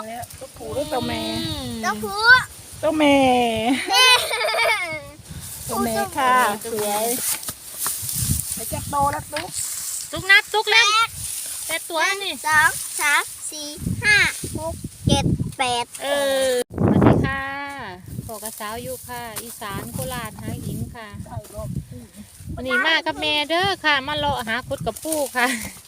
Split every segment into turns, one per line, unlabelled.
ตัวผู้หรือตัวแม่
ตัวผู้
ตัวแม่ตัวแม่ค่ะสวยไปจับโตแล้วตุ๊ก
ตุกนับตุกเล่นแต่ตัวนี่
2 3 4 5 6 7 8
สวัสดีค่ะพอกระสาวอยู่ค่ะ อีสานโคราชหาหญิงค่ะ
ใส่รอบ
วันนี้มากับแม่เด้อค่ะ มาเลาะหาคุดกับปูค่ะ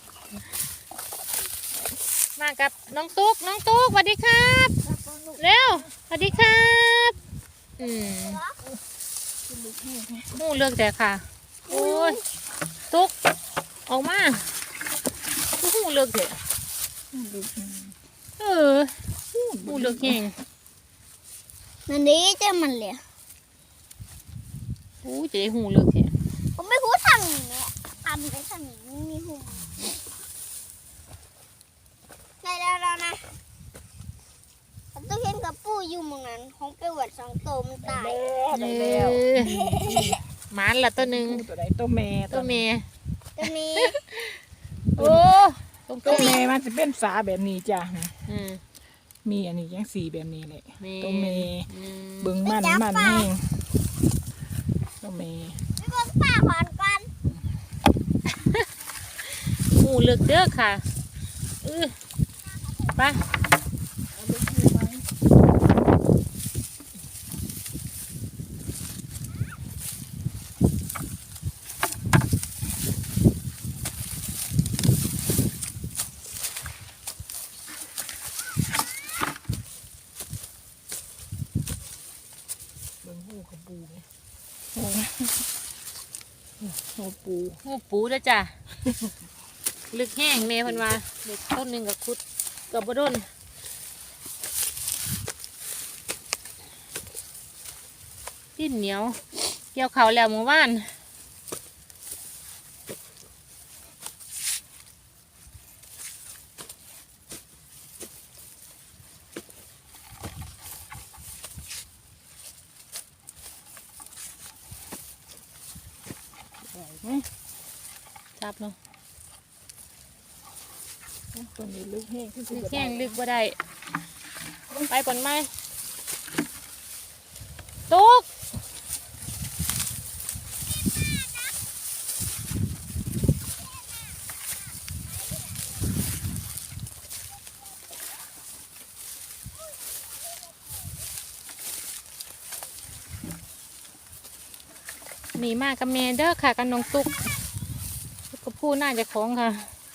มากับน้องตุ๊กสวัสดีครับเร็วสวัสดีครับหูเลือกแต่ค่ะโอ้ยตุ๊กออกมาหูเลือกแต่หูเลือกแห้ง
นั่นนี่เจ้ามันเลย
จะได้หูเลือกแท้
ผมไม่พูดทางนี้เนี่ยทำไปทางนี้ไม่มีหูได้แล้วนะผมต้องเห็นกับปูอยู่มึงนั้นของไปหวัด2 ตัวมันตาย
ได้แล้ว
หมันละตัวหนึ่ง
ตัวใดตัวแม่
ตัวเมย์
จะมี
โอ้ตรง
ตัวแม่มันจะเป็นฝาแบบนี้จ้ะ
อืม
มีอันนี้ยังสีแบบนี้เลย
เม
ตัวแม่
อืม
เบิ่งมันแห้งตัวแม่
ไม่ต้องป้าขอนก่อน
หูเลือกเด้อค่ะไป
เบิ่งหูกับปูไหมหูปู
หูปูเด้อจ้ะ ลึกแห้งเมย์เพันว่าเด็กต้นหนึ่งกับคุดกับบดนดิ้นเหนียวเกี่ยวเขาแล้วเมื่อวานจับเนาะ
ตัวนี้ลึกแห้ง
ลึกแห้งลึกบ่ได้ไปก่อนไหมตุ๊กหนีมากับแม่เด้อค่ะกับน้องตุ๊กก็พูดน่าจะของค่ะ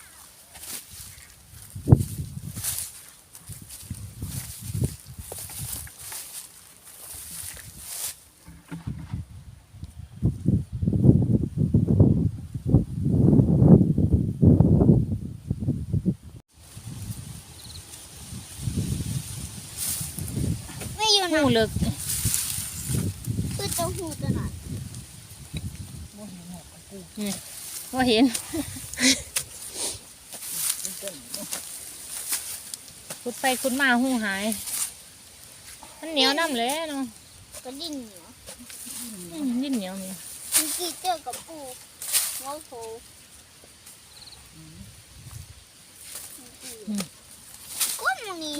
ไม่อยู่
หู
นะ
เลิก
คือตัวหูตัวนั้น
ว่าเห็นคุดไปคุดมาหูหายมันเหนียวน้ำเลยเนาะ
ก็ดิ้นเหนียว
ยิ่งเหนียวเนี่ย
เมื่อกี้เจอกับปูโง่โผก้นมันนี่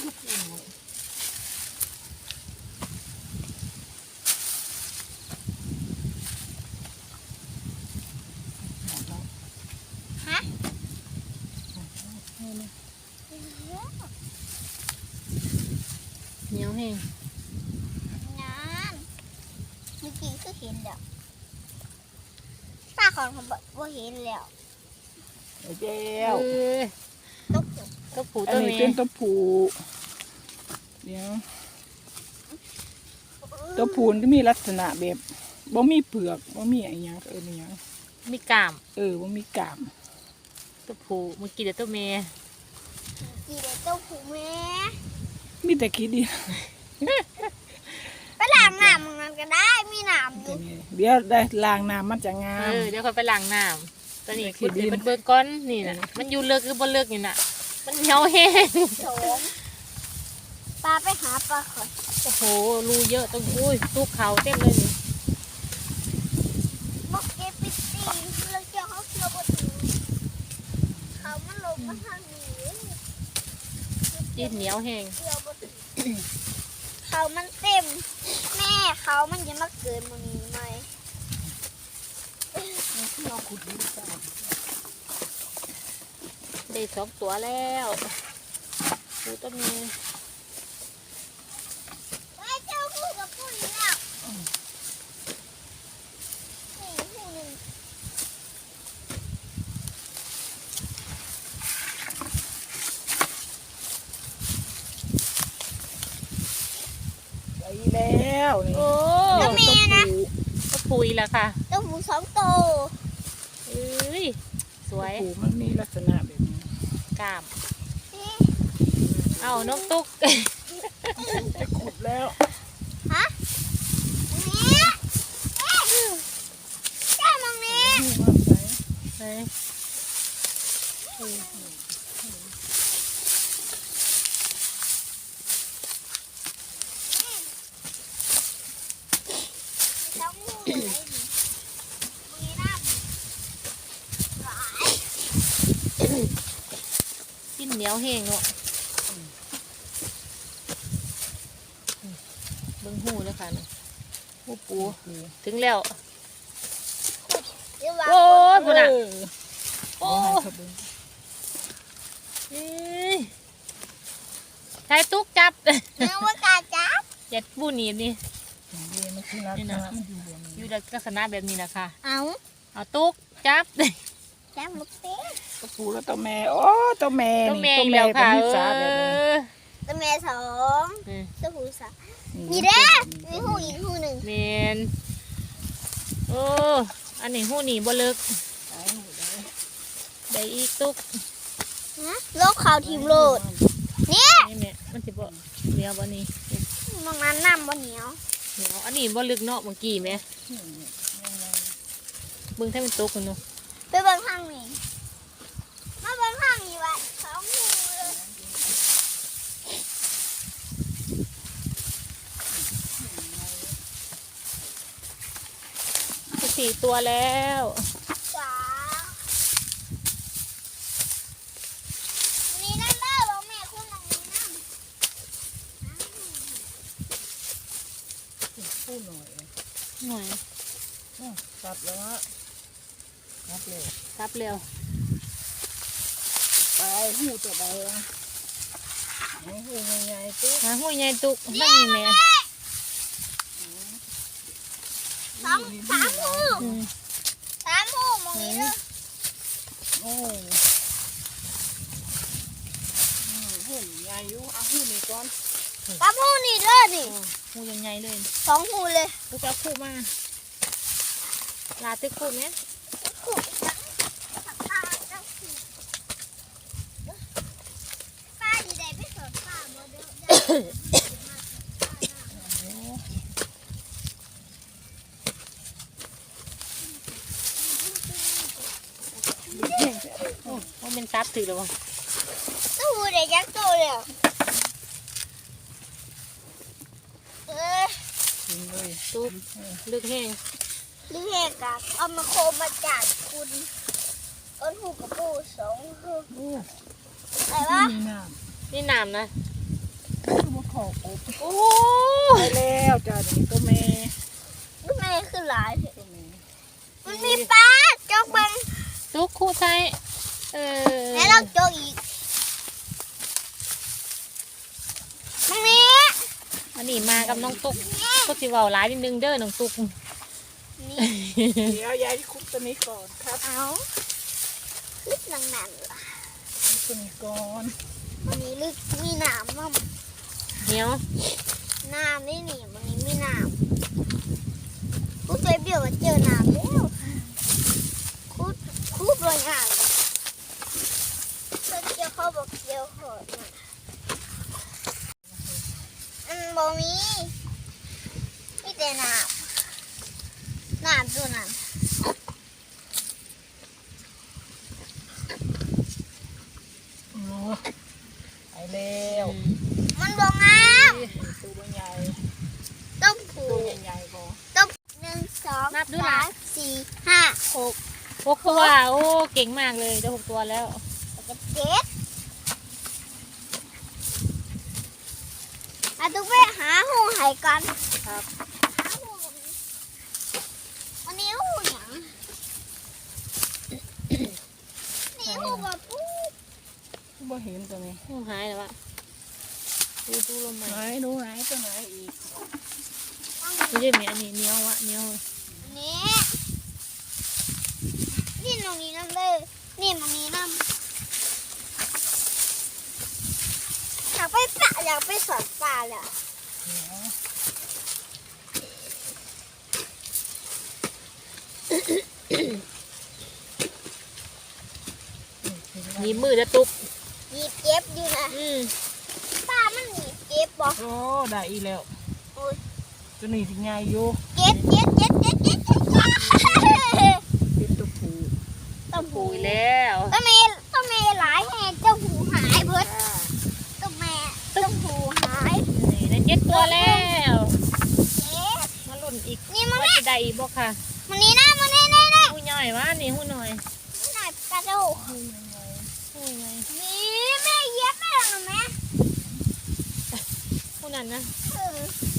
ฮะ
เหนียวแห้ง
งานเมื่อกี้ก็เห็นเดี๋ยวป้าของเขาบอกว่าเห็นแล้ว
เจ้า
ตุ๊ก
ตัวผู
อั
ตั
น
ว
นี้
เมี
เป็น
ย
ตัวผู้เดี๋ยวตัวผู้ก็มีลักษณะแบบบ่มีเปลือกบ่มีอะไรอย่างนี่ยัง
มีกล้าม
บ่มีกาม
ตัวผูเมื่อกี้เดี๋ยวตัวเมีย
กี่เด็กตุ๊กผูแม่
มีแต่ขี้ดิน
ไปล้างน้ำมันก็ได้มีน้ำอยู่
เดี๋ยวได้ล้างน้ำมันจะงาม
เดี๋ยวค่อยไปล้างน้ำตอนนี้
ขี้
คุด
ดิน
เดี๋ยวมันเบิกก้อนนี่นะมันอยู่เลิกหรือบ่เลิกนี่น่ะมันเหนียวแห้ง
โถมปลาไปหาปลาขอย
โอ้โหรูเยอะตรงอุ้ยตู้เขาเต็มเลยนี่
บอกเก็บไปตีแล้วเจ้าเขาเคี่ยวบดถึงเขามันลงมาทางนี้
ดินเหนียวแห้ง
เขามันเต็ม แม่เขามันจะมาเกินมันนี้ไหม
เราขุดดินจ้า
ได้2 ตัวแล้วปูต้นนี้
ไอ้เจ้าพูดกับพูดอีกแล้วนี่พูดหนึ่ง
ไปแล้วนี่
โอ้
แล้วแม่นะ
ก็ปุ๋ยแล้วค่ะ
เจ้าหมู2 ตัว
เอ้ยสวย
ปูมันมีลักษณะแบบนี้
กล้ามเอาน้องตุ๊ก
จะขุดแล้ว
ฮะนี่เจ้ามองนี้
หูมันใส
ไหน
2 หูเลยมึงนี่น้ำหวาย
ดินเหนียวแห้งเนาะเบิ่งหูเลยค่ะนี่หูปูถึงแล้ว
เดี๋ยววาง
โอ้ยพุ่นอ่ะ
โอ้
โอ้
ขบึง
เอ้ยใช้ตุ๊กจับ
เนื้อว่ากาจับ
เจ็ดบูหนีบนี่
นี่มันคือลักษณะมันอยู่บน
อ
นี้
ยู่ในลักษณะแบบนี้นะคะ
เอา
เอาตุ๊กจับ
จับลูกเต๊ะ
ตัวปูแล้วตัวแม่โอ้ตัวแม่
ตัว
นี่
แม่
ตัว
อีก
แม่
แล้ว
เป็
ค่ะ
นนิสาแบบนี้
ตัวแม่2
เออ
ตัวผู้3นี่เด้อมีหูอีกหูหนึ่ง
เมนโอ้อันนี้หูหนีบ่เลิกได้อีกตุ๊ก
นะโลกเขาทีมโหลดนี่
นี่แม่มันสิบ่เหนียวบ่นี่
มองนั้นน้ำบ่เหนียว
เหนียวอันนี้บ่ลึกเนาะเมื่อกี้แม่เบิ่งถ้าเป็นตุ๊กกันเนาะ
ไปเบิ่งข้างนี้มาเบิ่งข้างนี้ไว้2 หูเลย
4 ตัวแล้ว
จ้านี่นั่นเด้อบอกแม่คุณมองนี้น้
พูดหน่อย
หน่อย
ตัดแล้วฮะนับเลย
รับเร็ว
ไปหูตัวใดวะหูใหญ่ๆตุ๊ก
หาหูใหญ่ตุ๊กไม่มีแม่
ำ3 หู
อืม
3 หูมองนี้เด้อ
โอ้หูใหญ่อยู่เอาหูนี่ก่อน
กับหูนี่เด้อนี่
หูยังไงเลย
2 หูเลย
ลูกเอาคู่มาลาตึกคู่ไหม
หูจังป้าจังสิป้าดีได้ไปสอนป้าบ่เด้อ
โอ้มันเป็นซับถือแล้ววะ
ตู้เด็กยักษ์โตเลยอ่ะเออ
กินเลย
ตุ๊กลึกแห้ง
ลิเฮกะเอามาโคมมาจากคุณต้นหูกับปู2 หู
โอ้
อะไรวะ
มีน้
นี่น้ำนะ
ำคือมาขอกบ
โอ้
ไปแล้วจ้านี่ตัวแม่
ลูกแม่คือหลายเถอะ
ตัวแม่
มันมีปลาจกบัง
ตุ๊กคู่ใช้เออ
แล้วเราจกอีกมันมี
อันนี้มากับน้องตุ๊กก็สิเว้าหลายนิดนึงเด้อน้องตุ๊ก
นี่
เดี๋ยวยายคุกตัวนี้ก่อนครับ
เอาลึกนังนั่นเหรอ
ตัวนี้ก่อน
มันนี้ลึกมีหนามมั่ง
เหนียว
น้ำนี่นี่มันนี้มีน้ำกูเคยเบี่ยวมาเจอน้ำแล้วคูดรอยอ่างเกี่ยวเขาบอกเกี่ยวหอดนะบ่มีแต่น้ำตัวนั้น
โอ้ไปแล้ว
มันบ่งาม
ตัวใหญ่
ต้องผู
ตัว
ก
ใหญ่ๆก่อน
ต้อง1 2 3 4 5 6
6 ตัวโอ้เก่งมากเลยได้6 ตัวแล้ว
แล้วก็7 หายกัน
ครับ
วันนี้หูหยังนี่หูแบบปู
บ่เห็นตัวนี้
หูหายแล้ววะดูลมใหม่
ไหนดูไหนตัวไหนอีก
ไม่ใช่แม่อันนี้เหนียววะเหนียว
นี่นี่ตรงนี้น้ำเลยนี่ตรงนี้น้ำอยากไปปะอยากไปสอนปลาเลย
หนีบมือจะตุก
หยิบเก็บอยู่นะ ปลามันหยิบเก็บบอก
โอ้ได้อีกแล้ว
โอ้ย
ตัวนี้สิใหญ่อยู่
เก็บเก็บเก็บเก็บเก็บเก็บ
เป็นตัวผู้
ต้ม
ปู
หู
อีกแล้ว
ต้องมีหลายแห่เจ้าหูหายเบิดต้มแม่ต้มหูหาย
นี่ได้7 ตัวแล้ว
เก็บ
มาลุ่นอีก
นี่มัน
ว่าจะได้อีกบ่ค่ะ
มันนี่นะมันนี่นี่นี่
หูย่อยวะนี่หูหน่อย
มันหน่อยกระดูก
หูไง
นี่แม่เย็บแม่หรอแม่
หูนั่นนะ
เออ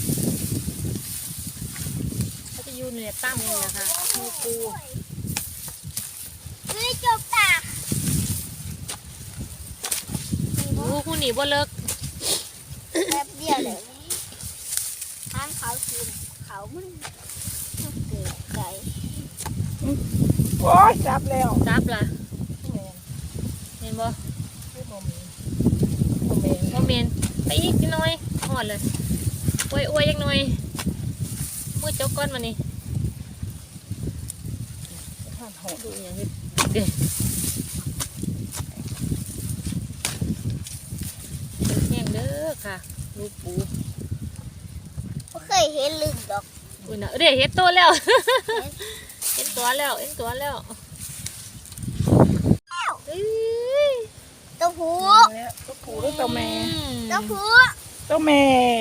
เขาจะอยู่เนี่ยตั้งนี่นะคะหูปู
นี่จบตา
หูหนีบ่เลิก
แป๊บเดียวเลยทางเขาคืนเขามันเกิดใจ
โอ้ยจับแล้ว
จับล่ะเห็นบ่
คือบ่มีบ่แม่น
บ่เมนไปอีกนิดหน่อยหอดเลยอวยยังหน่อยมือจกก้อนมานี่
ท่านโหด
ดูอย่างนี้เด็กแห้งเด้อค่ะลูกปู
ไม่เคยเห็นลึกดอก
อุ้ยนะเดี๋ยวเห็นตัวแล้ว เห็นตัวแล้วเอ้ย
ตัวผู
แล้วตัวผู้หรือตัวแม่
ตัวผู
ตัวแม่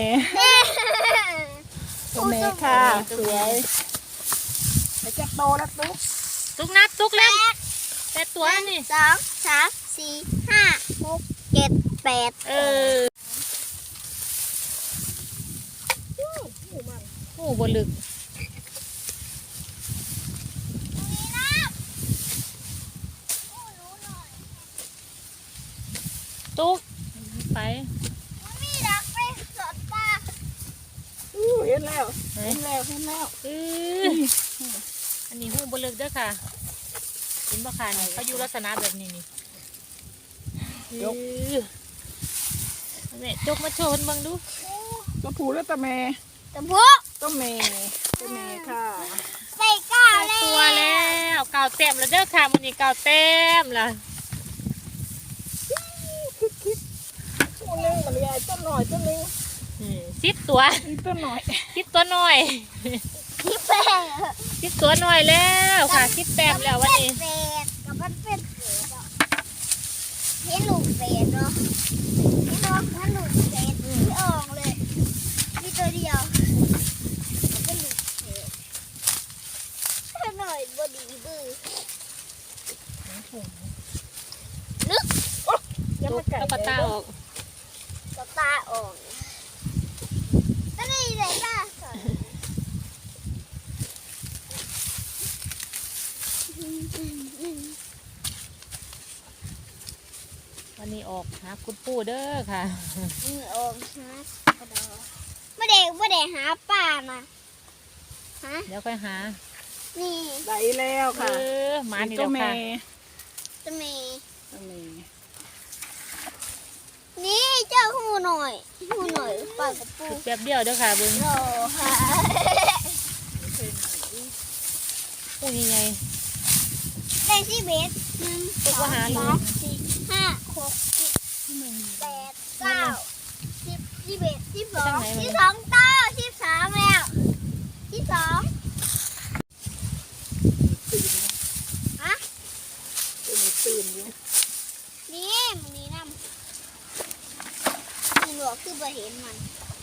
ตัวแม่ค่ะสวยไปจับโตแล้วตุ๊ก
ตุกนัดตุกเล่นแต่ตัวนี่
2 3 4 5 6 7 8
เออโอ้บนลึก
ตรงนี้นะโอ้รู้หน่อย
ตุกไป
มันมีดักไปสอนปลา
เห็นแล้ว
ไหน
เห็นแล้วเห็นแล้ว
เอออันนี้หูบนลึกเด้อค่ะเห็นบ่ค่ะนี่เขาอยู่ลักษณะแบบนี้นี่ยกแม่จกมาโชว์ให้เบิ่งดู
ตัวผู้หรือตัวแม่
ตัวผู
ตัวแม่ตัวแม่ค่ะ
ได้ก้าว
ได้
แล้ว
ตัวแล้วเก่าเต็มแล้วเด้อค่ะมันนี้เก่าเต็มละ
ตัวนึงมันใหญ่ตัวหน่อยตัวนึง
10 ตัว
นี่ตัวหน่อย
10 ตัวหน่อย
ที่แป้ง
10 ตัวหน่อยแล้วค่ะ10 แต้มแล้ววันนี้
เป็ดกับมันเป็นเป็ดอ่ะเห็นลูกเป็ดเนาะเห็นว่ามันลูกเป็ดที่ออกเลยมีตัวเดียวมันเป็นลูกเป็ดแค่หน่อยบดีบื้อ
อย่า
ตุ
มาก ไก่
แล้วก็ตาออก
ตาตาออกก็นี่เลยตาสอน
วันนี้ออกหาคุณปู่เด้อค่ะ
มือออกฮะกระดอไม่ได้หาป่านะฮะ
เดี๋ยวค่อยหา
นี่
ได้แล้ว
เอ
ค่ะ
อมานี่
ตั
แล้ว ว
แม่
ค่ะ
จะมี
ตัวแม่
นี่เจ้าหูหน่อยปากกับปู
แป๊บเดียวเด้อค่ะเบิ่ง
โลค่ะ
ปู่ยังไง
ได้สิเบสหนึ่ง
ตุ๊กว่าหาลู
สาก มสี่ห้าหกเจ็ดแปดเก้า11 12ต่อ13แล้ว12ฮะ
ตัวนี้ตื่นอยู่
นี่มันนี่นำมึงบอกคือบ่เห็นมัน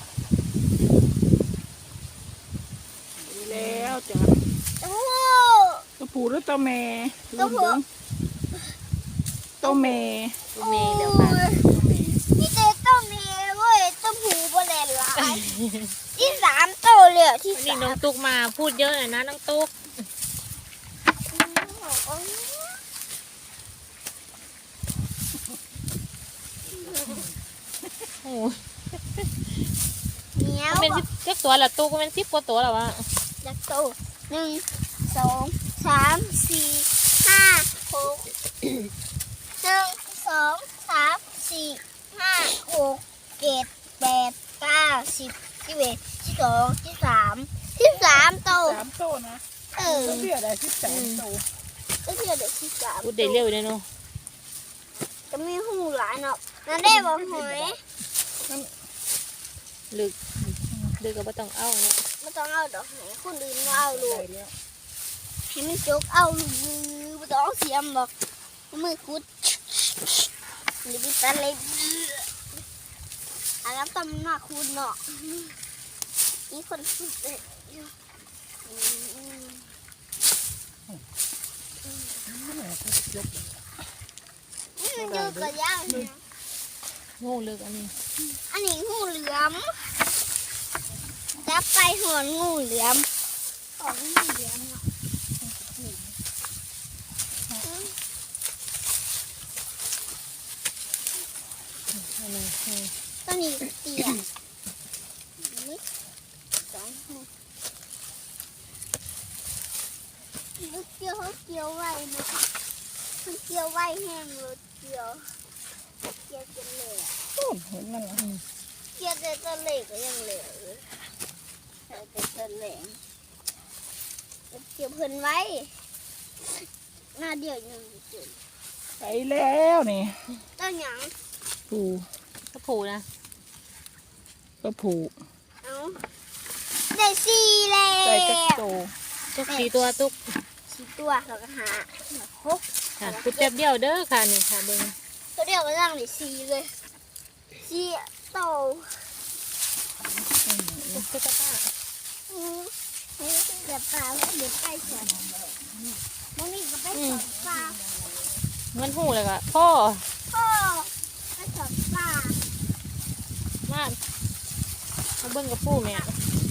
ดีแล้วจ้ะ
โอ้
ตัวผู้หรือตัวแม่
ตัวผู้
ตัวแม่
ตัวเมย์แล้วค่ะ
ตัวแม่
นี่เต้ต้องมีเว้ยต้องหูบ่แลนหลายที่สามโตเลยที่
วันนี้
สาม
น้องตุ๊กมาพูดเยอะหน่อยนะน้องตุ๊กโอ้
เหนียว
เป็น10ตัวละตุ๊กเป็น10 กว่าตัวแล้ววะ
จากโต1 2 3 4 5 6 1 2 3 4 5 6 7 8 9 10 11 12 13 13โต
3 โตนะ
Ừ.
เบี้ยได้13 โต
Cái kia để xin cảm
พูดได้เร็วเลยเนาะ
Cái mi hù lại nọ Nó đây vào hỏi
ลึกก็บ่ต้องเอาเนาะ
Nóต้องเอาดอกไหนคนอื่นมาเอาลู
ได้
ก
แล้ว
ให้มันจกเอาลูกไม่ต้องเอาเสียมหรอกมือคุดหรือบิตาเล็กอันนั้นตำหน้าคุณเนาะนี่คนคุดเลยนี่มันอยู่กับย่างเนี่ย
โง่ลึกอันนี้
อันนี้งูเหลือมจับไปหอนงูเหลือมของงูเหลือมเนาะ
อันนี้
ตัวนี้เตี้ยนี่สองหูลูกเกี่ยวเขาเกี่ยวไว้นะมันเกี่ยวไว้แห้งเลยเกี่ยวจนเหลว
ต้นเห็นมันล่ะ
เกี่ยวแต่ตัวเหล็กก็ยังเหลวเลยแต่ตัวเหลวเกี่ยวเพิ่นไว้หน้าเดียวยังจุด
ไปแล้วนี่
ต้นหยัง
ผู
ก็ผูนะ
ก็ผู
เอาได้สี่แล้ว
ใส่จักโต
ตุ๊ก4 ตัวตุ๊ก
สี่ตัวเราก็หาหก
ค่ะพูดแป๊บเดียวเด้อค่ะนี่ค่ะเบิ่ง
ตัวเดียวก็ตั้งได้สี่เลยสี่โต
ตุ๊กตา
เดี๋ยวปลาเดี๋ยวไปสอนมันนี่ก็ไปสอนปลา
มันหูเลยก็พ่อ
พ่อไปสอนปลา
มาเบิ่งกับปูแม่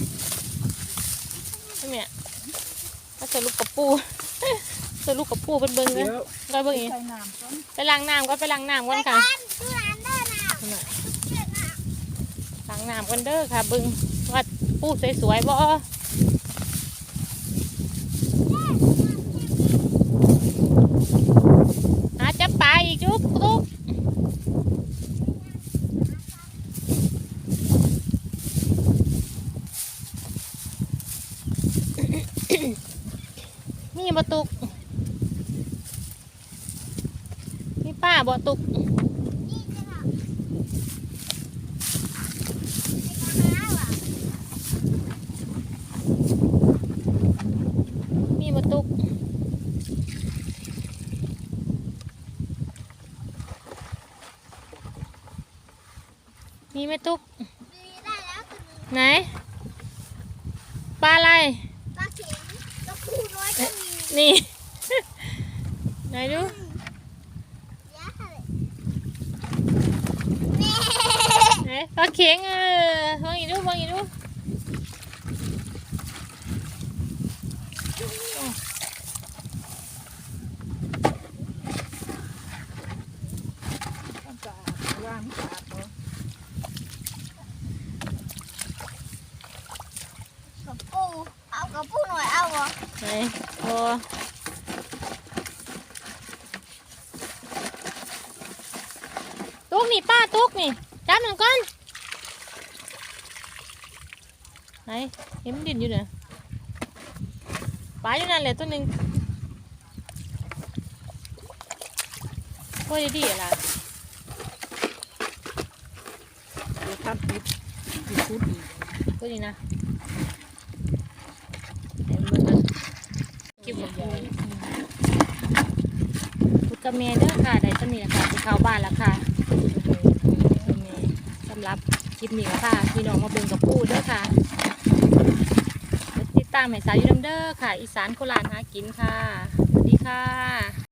แม่มาใส่ลูกกับปู ใส่ลูกกับปูเป็นเบิ่งเลย
เดี๋ยว
ก็เบิ่งอีก
ใส่น้ำก่อน
ไปล้างน้ำก่อนไปล้างน้ำก่อนค่ะ
ดูร้านเด้อนะ
ล้างน้ำก่อนเด้อค่ะเบิ่งว่าปูสวยๆบ่หาจับปลาอีกจุ๊บตุ๊กนี่บ่ตุกนี่ป้าบ่ตุก
นี่จะทำไปหาว่ะ
มีบ่ตุกมีไหมตุก
มีได้แล้วตัวหนึง
ไหนปลาอะไร
ปลาเข็งปลาคูน้อยก็มี
นี่ ไหนดู
ยาเลยแม่
ไหนปลาเข็งมองอีกดูมองอีกดู
ทำสะอาดล้างสะอาดเนาะ
กับปูเอากับปูหน่อยเอาเหรอ
ไหนโอ้ตุกนี่ป้าตุกนี่จับมันก่อนไหนเห็นมันดินอยู่เนี่ยปลาอยู่นั่นแหละตัวหนึ่งโอ้ยดีอะล่ะ
เดี๋ยวทำปิดคุดอีก
ตัวนี้นะเห็นมันนะเก็บหมดเลยพุดกระเมเด้อค่ะได้ตัวนี้แหละค่ะไปเข้าบ้านแล้วค่ะสำหรับคลิปนี้ค่ะพี่น้องมาเบิ่งกับปูเด้อค่ะติดตามให้สาวอยู่นำเด้อค่ะ อีสานโคราชหากินค่ะสวัสดีค่ะ